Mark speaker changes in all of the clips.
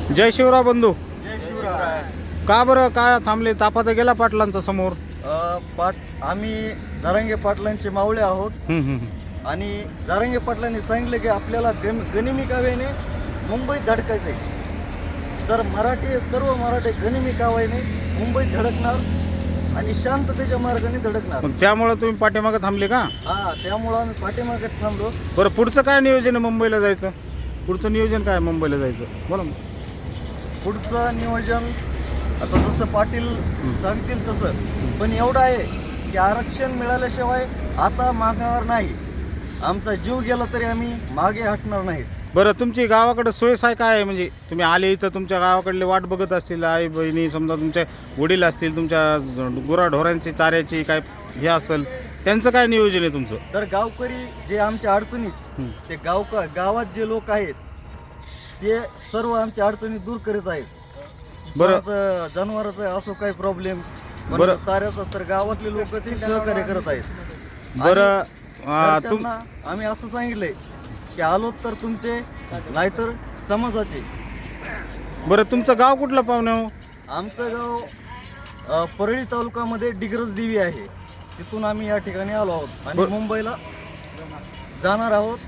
Speaker 1: जय शिवराय बंधू.
Speaker 2: जय शिवराय.
Speaker 1: का बरं काय थांबले? तापा तर गेला पाटलांचा समोर.
Speaker 2: आम्ही जारंगे पाटलांचे मावळे आहोत आणि जारंगे पाटलांनी सांगितलं की आपल्याला गनिमी काव्याने मुंबईत धडकायचं आहे. तर सर्व मराठी गनिमी काव्याने मुंबईत धडकणार आणि शांततेच्या मार्गाने धडकणार.
Speaker 1: मग त्यामुळे तुम्ही पाठीमागे थांबले का?
Speaker 2: हा, त्यामुळं आम्ही पाठीमागे थांबलो.
Speaker 1: बरं, पुढचं काय नियोजन आहे मुंबईला जायचं? पुढचं नियोजन काय मुंबईला जायचं? बोला.
Speaker 2: पुढचं नियोजन आता जसं पाटील सांगतील तसं, पण एवढं आहे की आरक्षण मिळाल्याशिवाय आता मागणार नाही. आमचा जीव गेला तरी आम्ही मागे हटणार नाहीत.
Speaker 1: बरं, तुमची गावाकडे सोयसाय काय आहे? म्हणजे तुम्ही आले इथं तुमच्या गावाकडले वाट बघत असतील, आई बहिणी समजा तुमचे वडील असतील, तुमच्या गुराढोरांची चाऱ्याची काय हे असेल, त्यांचं काय नियोजन आहे तुमचं?
Speaker 2: तर गावकरी जे आमच्या अडचणीत ते गावात जे लोक आहेत ते सर्व आमच्या अडचणी दूर करीत आहेत.
Speaker 1: बरं,
Speaker 2: जनावरांचा असो काही प्रॉब्लेम,
Speaker 1: बरं,
Speaker 2: चाऱ्याचा, तर गावातले लोक ते सहकार्य करत आहेत.
Speaker 1: बरं.
Speaker 2: घरच्यांना आम्ही असं सांगितलंय की आलो तर तुमचे नाहीतर समाजाचे.
Speaker 1: बरं, तुमचं गाव कुठलं पाहुणे हो?
Speaker 2: आमचं गाव परळी तालुक्यामध्ये डिग्रज देवी आहे. तिथून आम्ही या ठिकाणी आलो आहोत आणि मुंबईला जाणार आहोत.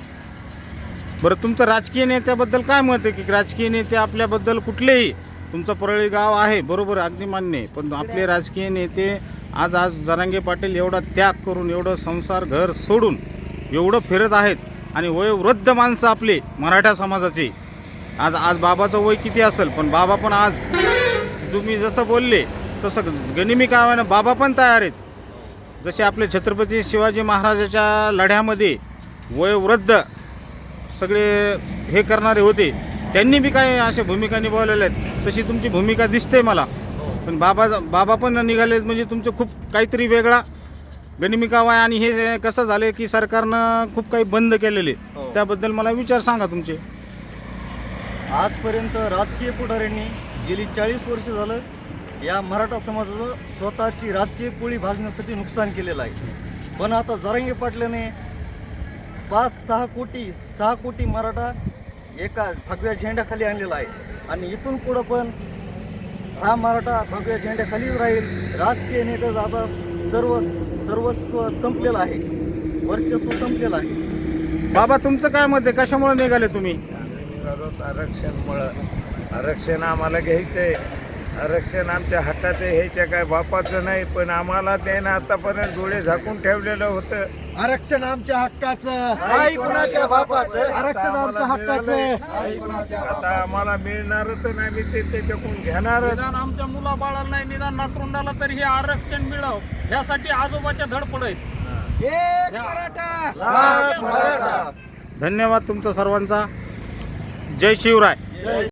Speaker 1: बरं, तुमचं राजकीय नेत्याबद्दल काय मत आहे? की राजकीय नेते आपल्याबद्दल कुठलेही, तुमचं परळी गाव आहे बरोबर, अगदी मान्य आहे, पण आपले राजकीय नेते आज जरांगे पाटील एवढा त्याग करून, एवढं संसार घर सोडून एवढं फिरत आहेत आणि वयोवृद्ध माणसं आपले मराठा समाजाचे. आज बाबाचं वय किती असेल, पण बाबा पण आज तुम्ही जसं बोलले तसं गनिमी काव्यानं बाबा पण तयार आहेत. जसे आपले छत्रपती शिवाजी महाराजाच्या लढ्यामध्ये वयोवृद्ध सगळे हे करणारे होते, त्यांनी बी काय अशा भूमिका निभावलेल्या आहेत, तशी तुमची भूमिका दिसते मला. पण बाबा पण निघाले म्हणजे तुमचं खूप काहीतरी वेगळा गनिमी कावा आहे. आणि हे कसं झालं की सरकारनं खूप काही बंद केलेले, त्याबद्दल मला विचार सांगा तुमचे.
Speaker 2: आजपर्यंत राजकीय पुढाऱ्यांनी गेली 40 वर्ष झालं या मराठा समाजाचं स्वतःची राजकीय पोळी भाजण्यासाठी नुकसान केलेलं आहे. पण आता जरांगे पाटलाने 6 कोटी मराठा एका भगव्या झेंड्याखाली आणलेला आहे आणि इथून पुढं पण हा मराठा भगव्या झेंड्याखालीच राहील. राजकीय नेत्याचं आता सर्वस्व संपलेलं आहे, वर्चस्व संपलेलं आहे.
Speaker 1: बाबा, तुमचं काय मत आहे? कशामुळे निघाले तुम्ही?
Speaker 3: आरक्षण आम्हाला घ्यायचंय. आरक्षण आमच्या हक्काचं घ्यायचं, काय बापाचं नाही. पण आम्हाला त्यानं आतापर्यंत डोळे झाकून ठेवलेलं होतं.
Speaker 2: आरक्षण आमच्या हक्काचं, कुणाच्या बापाचं. आरक्षण आमच्या हक्काचं,
Speaker 3: आता आम्हाला मिळणारच नाही. मी ते त्याच्याकडून घेणार.
Speaker 4: निदान आमच्या मुलाबाळाला नाही, निदान नातरुंडाला तरी हे आरक्षण मिळावं ह्यासाठी आजोबाच्या धडपड आहेत.
Speaker 1: धन्यवाद तुमचा सर्वांचा. जय शिवराय.